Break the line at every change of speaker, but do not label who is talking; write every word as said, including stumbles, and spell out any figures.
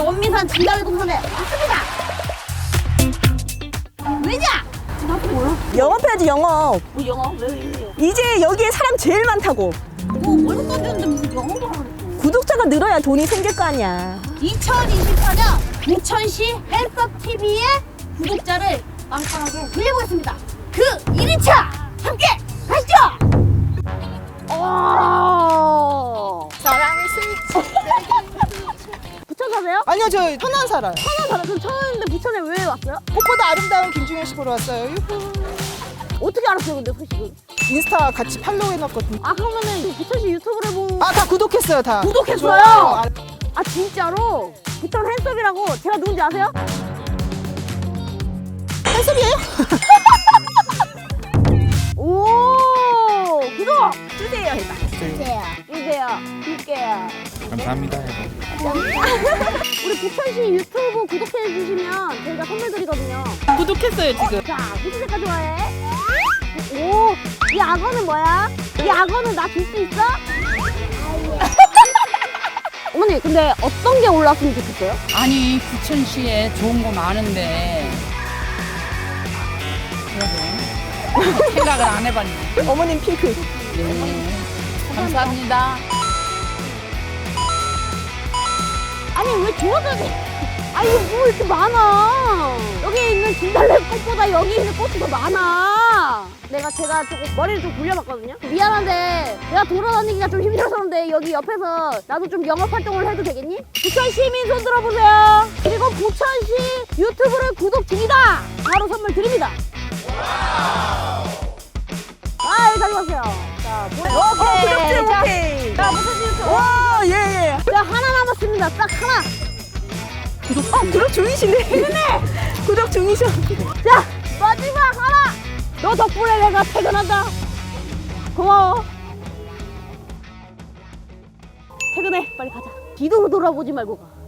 원미산 진달래 동산에 왔습니다. 왜냐? 나 뭐야?
영업해야지 영업.
뭐 영어? 왜 이래요?
이제 여기에 사람 제일 많다고.
뭐 월급 던졌는데 무슨 영어도 하고 그랬어.
구독자가 늘어야 돈이 생길 거 아니야.
이천이십사 년 부천시 헬스티비의 구독자를 빵빵하게 늘려보겠습니다. 그 일 일차 함께 가시죠! 오!
사랑의 스위치.
부천 사세요?
아니요, 저 천안 살아요.
천안 살아요. 그럼 천안인데 부천에 왜 왔어요?
꽃보다 아름다운 김중현 씨 보러 왔어요. 유후.
어떻게 알았어요 근데 소식을?
인스타 같이 팔로우 해놨거든요.
아 그러면은 부천시 유튜브를 보고
아, 다 구독했어요, 다.
구독했어요?
좋아요.
아 진짜로? 부천 핸섬이라고 제가 누군지 아세요?
한섭이에요?
오 구독!
주세요 해봐.
주세요 주세요 줄게요.
감사합니다.
우리 부천시 유튜브 구독해 주시면 저희가 선물 드리거든요.
구독했어요, 지금.
자 무슨 색깔 좋아해? 오, 이 악어는 뭐야? 이 악어는 나 줄 수 있어? 어머니 근데 어떤 게 올랐으면 좋겠어요?
아니 부천시에 좋은 거 많은데 그래도 생각을 안 해봤네.
어머님 핑크.
네. 감사합니다.
아니 왜 주워줘야 돼? 아니 뭐 이렇게 많아? 여기 있는 진달래 꽃보다 여기 있는 꽃이 더 많아. 내가 제가 조금 머리를 좀 굴려봤거든요. 미안한데 내가 돌아다니기가 좀 힘들어서 그런데 여기 옆에서 나도 좀 영업 활동을 해도 되겠니? 부천 시민 손 들어보세요. 그리고 부천시 유튜브를 구독 중이다. 바로 선물 드립니다. 아 여기 가져가세요. 자 보내.
어, 구독증
자,
오케이.
자 부천시 유튜브.
와, 예, 예.
자 하나 남았습니다. 딱 하나.
구독, 어, 구독 중이시네. 구독 중이셔.
자 마지막 하나. 너 덕분에 내가 퇴근한다. 고마워. 퇴근해. 빨리 가자. 뒤도 돌아보지 말고 가.